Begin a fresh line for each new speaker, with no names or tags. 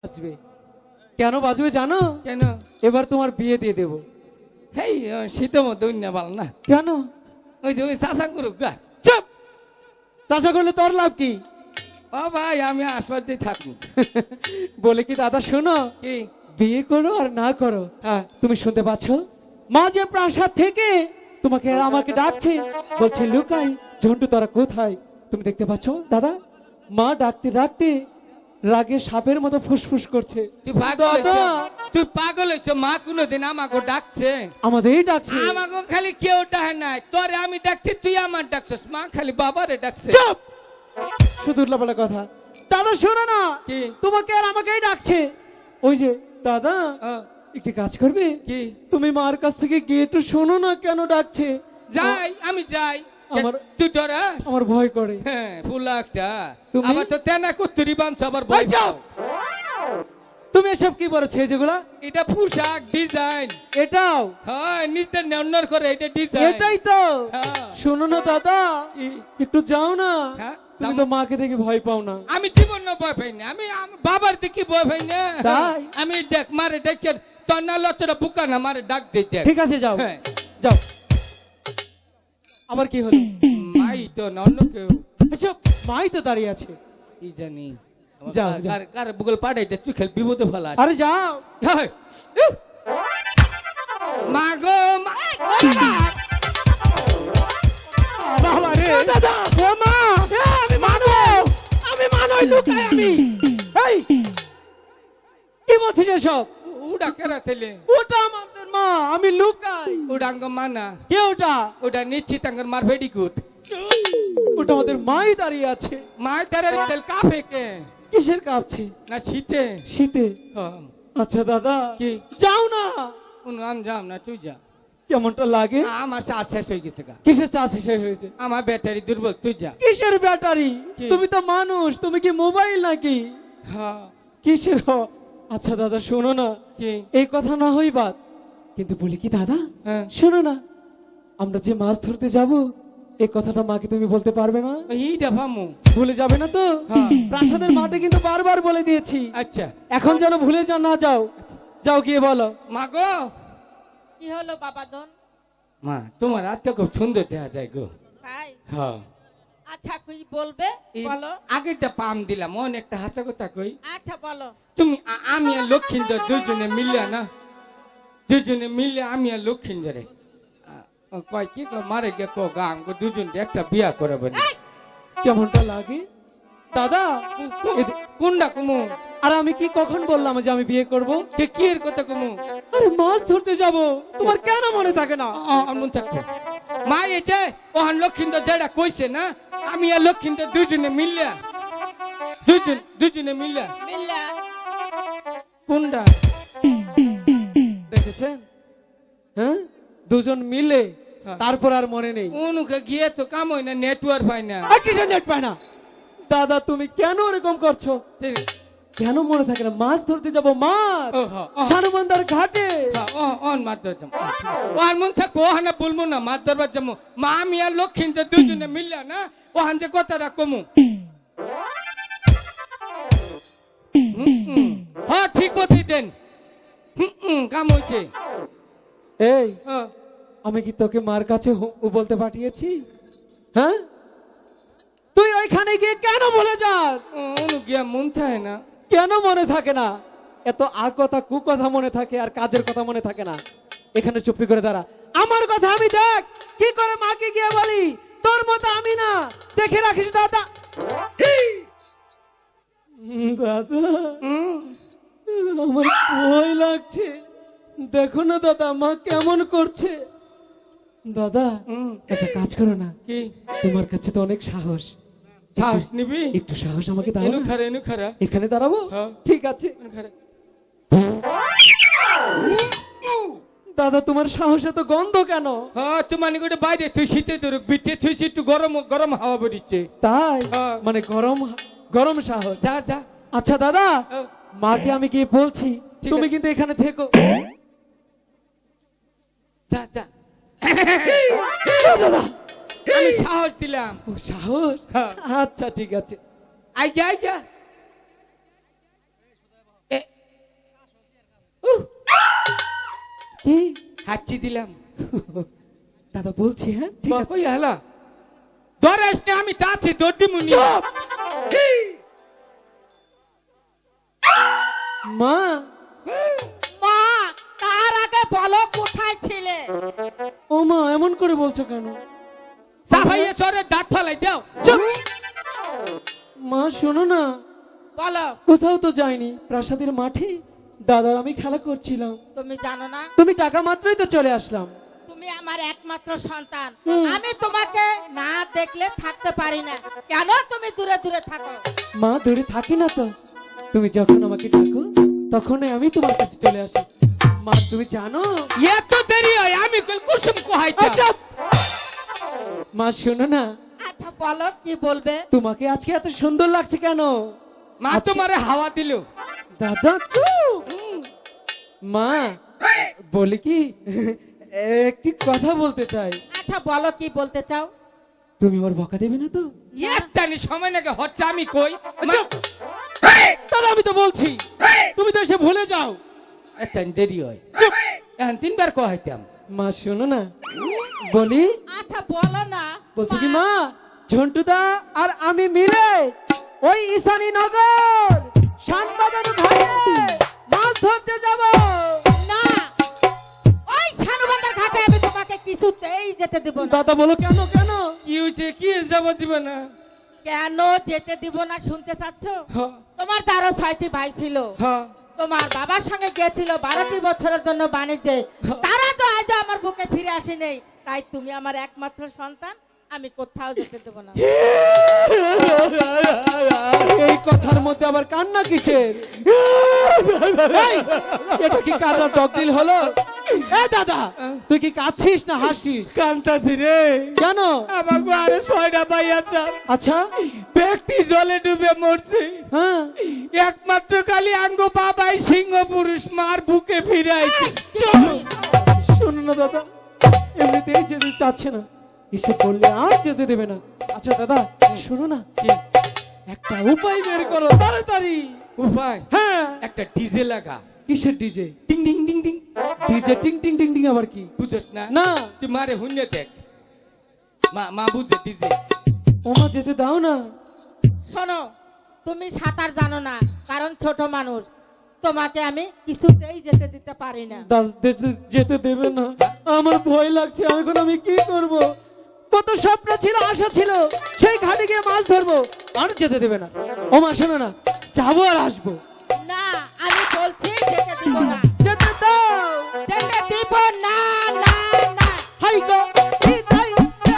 বাজবে। কেন বাজবে জানো?
কেন?
এবার তোমার বিয়ে দিয়ে দেব।
হেই শীতের মধ্যে অন্য ভালো না।
কেন?
ওই যে ওই চাষা করুক গা।
চুপ! চাষা করলে তোর লাভ কি?
ও ভাই আমি আসবাদে থাকি।
বলে কি দাদা শোনো,
কি?
বিয়ে করো আর না করো, হ্যাঁ তুমি শুনতে পাচ্ছ মা যে প্রাসাদ থেকে তোমাকে আর আমাকে ডাকছে, বলছে লুকাই ঝন্টু তোরা কোথায়। তুমি দেখতে পাচ্ছ দাদা, মা ডাকতে ডাকতে রাগে সাপের মতো ফুসফুস করছে।
তুই পাগল
দাদা!
হয়েছ? তুই পাগল হয়েছ? মা কোনোদিন আমাকে ডাকছে?
আমাদেরই ডাকছে।
আমাকে খালি কেউ ডাকে নাই, তোরে আমি ডাকছি, তুই আমার ডাকছিস। মা খালি বাবারে ডাকছে।
চুপ! শুধু উল্লাপাল্লা কথা। দাদা শোনো না,
কি?
তোমাকে আর আমাকেই ডাকছে। ওই যে দাদা, একটি কাজ করবে
কি?
তুমি মার কাছ থেকে গিয়ে একটু শোনো না কেন ডাকছে।
যাই, আমি যাই।
আমার-
তুই ডরাস?
আমার ভয় করে।
হ্যাঁ ফুলা একটা।
তুমি?
আবার তো তেনা কুত্তুরি বানছ আবার
এই
ভয়
যাও!
পাও।
তুমি এসব কি বলেছো যেগুলা?
এটা পোশাক ডিজাইন।
এটাও?
হ্যাঁ নিজের নেওয়ার করে এটা ডিজাইন।
এটাই তো।
হ্যাঁ।
শোনো না দাদা,
কি?
একটু যাও না।
হ্যাঁ,
তুমি তো মাকে দেখে ভয় পাও না।
আমি জীবন ভয় পাই না। আমি বাবার দিকে ভয় পাই না।
তাই?
আমি দেখ মারে ডেকে তোর না লতটা বুকা না মারে ডাক দে দেখ।
ঠিক আছে যাও।
হ্যাঁ।
যাও। আবার কি হলো?
মাই তো না অন্য কেউ।
এসব মাই তো দাঁড়িয়ে আছে।
কি জানি।
যাও, যাও।
কার বুগল পাঠাইতে তুই খেল বিপদে ফেলা।
আরে যাও।
হ্যাঁ। মা গো মা।
বাবা রে দাদা, ও মা, আমি মানো, আমি মানই লুকাই আমি। এই কি বলছিস এসব?
উড়া কেরা তেলে।
ওটা আমাদের মা, আমি লুকাই।
উড়াঙ্গ মানা।
কে ওটা?
ওটা নিশ্চিত আঙ্গর মার ভেডি গুড।
ওটা আমাদের মাই দাঁড়িয়ে আছে।
মায়ের দ্বারের তেল কাফে কে?
কিসের কাঁপছে?
না শীতে।
শীতে?
হ্যাঁ।
আচ্ছা দাদা,
কি?
যাও না।
আমি যাম না, তুই যা।
কেমনটা লাগে?
আমার চার্জ শেষ হয়ে গেছে গা।
কিসের চা শেষ হয়েছে?
আমার ব্যাটারি দুর্বল, তুই যা।
কিসের ব্যাটারি?
কি?
তুমি তো মানুষ, তুমি কি মোবাইল নাকি?
হ্যাঁ।
কিসের আচ্ছা দাদা শোনো না,
কি?
এই কথা না হই বাদ, কিন্তু বলি কি দাদা,
হ্যাঁ।
শোনো না, আমরা যে মাছ ধরতে যাব এই কথাটা মাকে তুমি বলতে পারবে না?
এইটা ভামু।
ভুলে যাবে না তো?
হ্যাঁ।
প্রাসাদের মাঠে কিন্তু বারবার বলে দিয়েছি,
আচ্ছা।
এখন যেন ভুলে না যাও। যাও গিয়ে বলো।
মা গো।
কি হলো বাবাদন?
মা তোমার আজকে খুব সুন্দর দেখা যায় গো।
তাই?
হ্যাঁ।
আচ্ছা কই বলবে?
এই
বলো।
আগেরটা পাম দিলাম, অনেকটা হাসা কথা কই।
আচ্ছা বলো।
তুমি আমি আর লক্ষ্মীন্দর দুজনে মিলিয়া না, দুজনে মিলে আমি আর লক্ষ্মীন্দরে কয় কি কয় মারে গে কো গাম গো দুজন একটা বিয়া করাবে না।
কেমনটা লাগে দাদা?
কোনটা কুমু?
আর আমি কি কখন বললাম যে আমি বিয়ে করব?
কে কি এর কথা কুমু?
আরে মাছ ধরতে যাব, তোমার কেন মনে থাকে না?
মন থাকো মা, এই যে ওহান লক্ষ্মীন্দর যেটা কইছে না, আমি আর লক্ষ্মীন্দর দুজনে মিলিয়া, দুজনে মিলিয়া।
মিল্লা।
কোনটা?
দেখেছেন? হ্যাঁ, দুজন মিলে,
হ্যাঁ।
তারপর আর মনে নেই।
উনুকে গিয়ে তো কাম হয় না, নেটওয়ার্ক পায় না।
আর কিসের নেট পায় না? দাদা তুমি কেন এরকম করছো? কেন মনে থাকে না? মাছ ধরতে যাব, মাছ
ও হ্যাঁ, ও
সানুবন্দার ঘাটে।
অন মার দরজাম ওহান মন থাকো, ওহানা বলবো না মার দরবার যাবো। মা আমি আর লক্ষ্মীন্দর দুজনে মিলিয়া না ওহান যে কথাটা কমু। হ্যাঁ ঠিক বলছি দেন। কাম হয়েছে।
এই আমি কি তোকে মার কাছে বলতে পাঠিয়েছি? হ্যাঁ, তুই ওইখানে গিয়ে কেন বলে যাস?
অনু গিয়া মন থাকে না।
কেন মনে থাকে না? এত আর কথা কু কথা মনে থাকে আর কাজের কথা মনে থাকে না। এখানে চুপি করে দাঁড়া, আমার কথা আমি দেখ কি করে মাকে গিয়ে বলি। তোর মতো আমি না, দেখে রাখিস দাদা। দাদা আমার ভয় লাগছে, দেখো না দাদা মা কেমন করছে। দাদা একটা কাজ করো না,
কি?
তোমার কাছে তো অনেক সাহস,
সাহস নিবি?
একটু সাহস আমাকে দাও
এনু
না।
খারা এনু খারা
এখানে দাঁড়াবো?
হ্যাঁ।
ঠিক আছে
এনু খারা।
দাদা, তোমার সাহসে তো গন্ধ কেন?
হ্যাঁ তুই মানে গোটে বাইরে তুই শীতে তোর বিটে তুই একটু গরম গরম হাওয়া বেরিয়েছে।
তাই?
হ্যাঁ।
মানে গরম গরম সাহস।
যা যা।
আচ্ছা দাদা,
হ্যাঁ।
মাকে আমি গিয়ে বলছি,
ঠিক
তুমি
আছে।
কিন্তু এখানে থেকো।
যা যা।
দাদা
আমি সাহস দিলাম।
ও সাহস?
হ্যাঁ।
আচ্ছা ঠিক আছে।
আইগা আইগা।
কি
হাঁচি দিলাম।
দাদা বলছি, হ্যাঁ ঠিক আছে।
কই হলো ধরে আসলে আমি টাছি তোর দিমুনি।
চুপ! মা,
মা, তার আগে বলো কোথায় ছিলে?
ও মা এমন করে বলছো কেন?
সাফাইয়ে সরে দাঁত ফলাই দাও।
চুপ! মা শোনো না,
বলো,
কোথাও তো যাইনি, প্রাসাদের মাঠে দাদা আমি খেলা করছিলাম,
তুমি জানো না
তুমি টাকা মাত্রই তো চলে আসলাম।
তুমি আমার একমাত্র সন্তান।
হুম।
আমি তোমাকে না দেখলে থাকতে পারি না। কেন তুমি দূরে দূরে থাকো?
মা দূরে থাকি না তো, তুমি যখন আমাকে ডাকো তখনই আমি তোমার কাছে চলে আসি। মা তুমি জানো,
এত দেরি হয় আমি কই কুসুম কোহাইতা।
আচ্ছা মা শোনো না,
আচ্ছা বলো কি বলবে?
তোমাকে আজকে এত সুন্দর লাগছে কেন?
মা তোমারে হাওয়া দিল।
দাদা তো মা বলি কি, একটি কথা বলতে চাই,
আচ্ছা বলো কি বলতে চাও?
তুমি ওর বকা দেবে না তো?
একটানি সময় নাকি হচ্ছে আমি কই মা,
দাদা আমি তো বলছি, তুমি তো এসে ভুলে যাও।
একটানি দেরি হয়। এখন তিনবার কোহাইতাম।
মা শোনো না, বলি
আচ্ছা বলো না।
বলছি কি মা, ঝন্টুদা আর আমি মিলে ওই ঈশানী নগর শানবাজার ঘাটে মাছ ধরতে যাব।
না, ওই শানুবাজার ঘাটে আমি তোমাকে কিছুতেই যেতে দেব না।
দাদা বলো কেন কেন?
কি হয়েছে কি যাব দিবে না?
কেন যেতে দিব না শুনতে চাচ্ছ?
হ্যাঁ,
তোমার যারা 6টি ভাই ছিল,
হ্যাঁ।
তোমার বাবার সঙ্গে গিয়েছিল 12টি বছরের জন্য বাণিজ্যে, তারা তো আজ আমার বুকে ফিরে আসে নেই। তাই তুমি আমার একমাত্র সন্তান, আমি কোথাও যেতে দেব না।
এই কথার মধ্যে আবার কান্না কিসের? এই, এটা কি কাদার ডকদিল হলো? এ দাদা, তুই কি কাঁদছিস না হাসিস?
কান্তাছি রে।
কেন?
আমাকে আরে 6টা ভাই আছে।
আচ্ছা,
ব্যক্তি জলে ডুবে মরছে।
হ্যাঁ
একমাত্র কালি আঙ্গ বাবাই সিংহ পুরুষ মার বুকে ফিরে আইছে।
চলো শোনো না দাদা, এমনিতেই যেতে চাচ্ছে না, এসে বললে আর যেতে দেবে না। আচ্ছা দাদা শোনো না, একটা উপায় বের করো তাড়াতাড়ি।
উপায়?
হ্যাঁ,
একটা ডিজে লাগা।
কিসের ডিজে?
টিং টিং টিং টিং।
ডিজে টিং টিং টিং টিং আবার কি?
বুঝছ না?
না,
তুই মারে হুন্যে দেখ। মা বুঝে ডিজে।
ওমা যেতে দাও না।
শোনো, তুমি সাঁতার জানো না, কারণ ছোট মানুষ, তোমাকে আমি কিছুতেই যেতে দিতে পারি না।
যেতে দেবে না, আমার ভয় লাগছে। এখন আমি কি করব? কত স্বপ্ন ছিল, আশা ছিল, সেই ঘাটে গিয়ে মাছ ধরবো, আর যেতে দেবে না। ওমা শোনো না, যাবো আর আসবো।
না, আমি বলছি যেতে দিব না।
যেতে দাও।
যেতে দিব